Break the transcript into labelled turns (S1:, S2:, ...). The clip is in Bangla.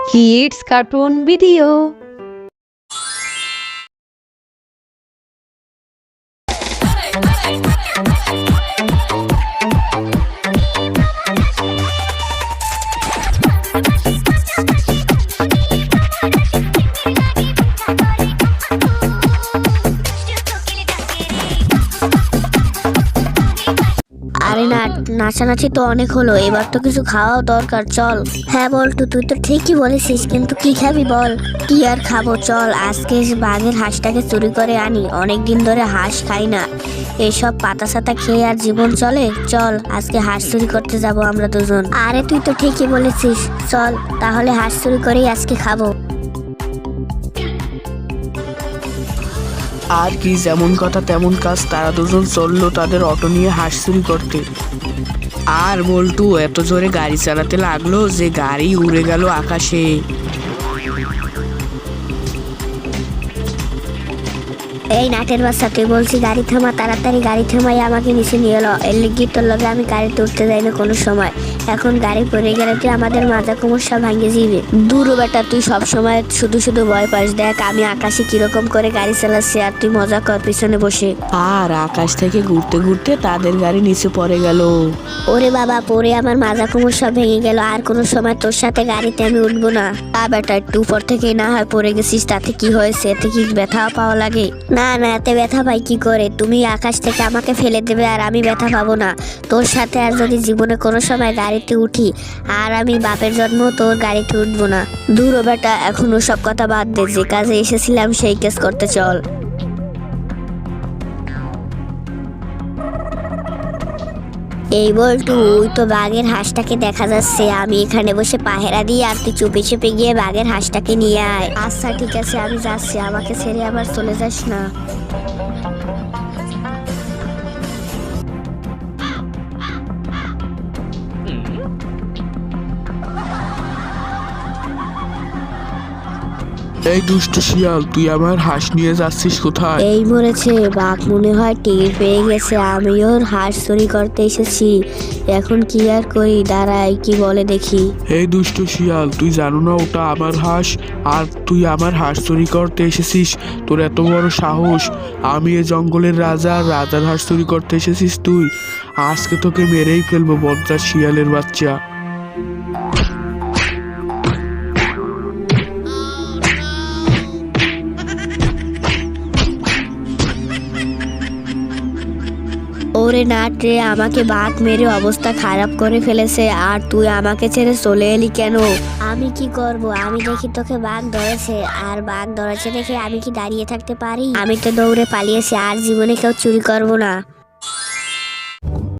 S1: Kids Cartoon Video.
S2: আরে না, নাচানাচি তো অনেক হলো, এবার তো কিছু খাওয়াও দরকার। চল। হ্যাঁ বল্টু, তুই তো ঠিকই বলেছিস, কিন্তু কি খাবি বল? কি আর খাবো, চল আজকে বাঘের হাঁসটাকে চুরি করে আনি। অনেক দিন ধরে হাঁস খাই না, এসব পাতা সাতা খেয়ে আর জীবন চলে? চল আজকে হাঁস চুরি করতে যাব আমরা দুজন। আরে তুই তো ঠিকই বলেছিস, চল তাহলে হাঁস চুরি করেই আজকে খাবো।
S3: আর কি, যেমন কথা তেমন কাজ। তারা দুজন চললো তাদের অটো নিয়ে হাঁস চুরি করতে। আর বল্টু এত জোরে গাড়ি চালাতে লাগলো যে গাড়ি উড়ে গেল আকাশে।
S2: এই নাটের বাচ্চা, তুই বলছি গাড়ি থামা, তাড়াতাড়ি গাড়ি থামাই আমাকে নিচে নিয়ে এলো। এর লিগি তোর লগে আমি গাড়িতে উঠতে যাই না কোনো সময়। এখন গাড়ি পড়ে গেলে তুই আমাদের মাজা কোমর সব ভাঙে যাবে। দূর বেটা, তুই সব সময় শুধু শুধু ভয় পাস। দেখ আমি আকাশে কিরকম করে গাড়ি চালাচ্ছি আর তুই মজা কর পিছনে বসে।
S3: আর আকাশ থেকে ঘুরতে ঘুরতে তাদের গাড়ি নিচে পড়ে গেল।
S2: ওরে বাবা, পরে আমার মাজা কোমর সব ভেঙে গেল। আর কোনো সময় তোর সাথে গাড়িতে আমি উঠবো না। তা বেটা, একটু উপর থেকে না হয় পড়ে গেছিস, তাতে কি হয়েছে? এতে কি ব্যথা পাওয়া লাগে? না না, এতে ব্যথা পাই কি করে? তুমি আকাশ থেকে আমাকে ফেলে দেবে আর আমি ব্যথা পাবো না? তোর সাথে আর যদি জীবনে কোনো সময় গাড়িতে উঠি, আর আমি বাপের জন্ম তোর গাড়িতে উঠবো না। দূর বেটা, এখনো সব কথা বাদ দে, যে কাজে এসেছিলাম সেই কাজ করতে চল। এই বল্টু, ওই তো বাঘের হাঁসটাকে দেখা যাচ্ছে। আমি এখানে বসে পাহেরা দিই আর তুই চুপে চুপে গিয়ে বাঘের হাঁসটাকে নিয়ে আয়। আচ্ছা ঠিক আছে, আমি যাচ্ছি, আমাকে ছেড়ে আবার চলে যাস না।
S3: এই দুষ্ট শিয়াল, তুই আমার হাঁস নিয়ে যাচ্ছিস কোথায়?
S2: এই মরেছে, বাঘ মনে হয় টের পেয়ে গেছে আমি ওর হাঁস চুরি করতে এসেছি। এখন কি আর করি, দাঁড়াই কি বলে দেখি।
S4: এই দুষ্ট শিয়াল, তুই জানো না ওটা আমার হাঁস, আর তুই আমার হাঁস চুরি করতে এসেছিস? তোর এত বড় সাহস! আমি এ জঙ্গলের রাজা, আর রাজার হাঁস চুরি করতে এসেছিস তুই? আজকে তোকে মেরেই ফেলবো, বজ্জাত শিয়ালের বাচ্চা।
S2: ওরে নাট রে, আমাকে বাঘ মেরে অবস্থা খারাপ করে ফেলেছে, আর তুই আমাকে ছেড়ে চলে এলি কেন? আমি কি করব? আমি দেখি তোকে বাঘ ধরেছে, আর বাঘ ধরেছে দেখে আমি কি দাঁড়িয়ে থাকতে পারি? আমি তো দৌড়ে পালিয়েছি, আর জীবনে কেউ চুরি করব না।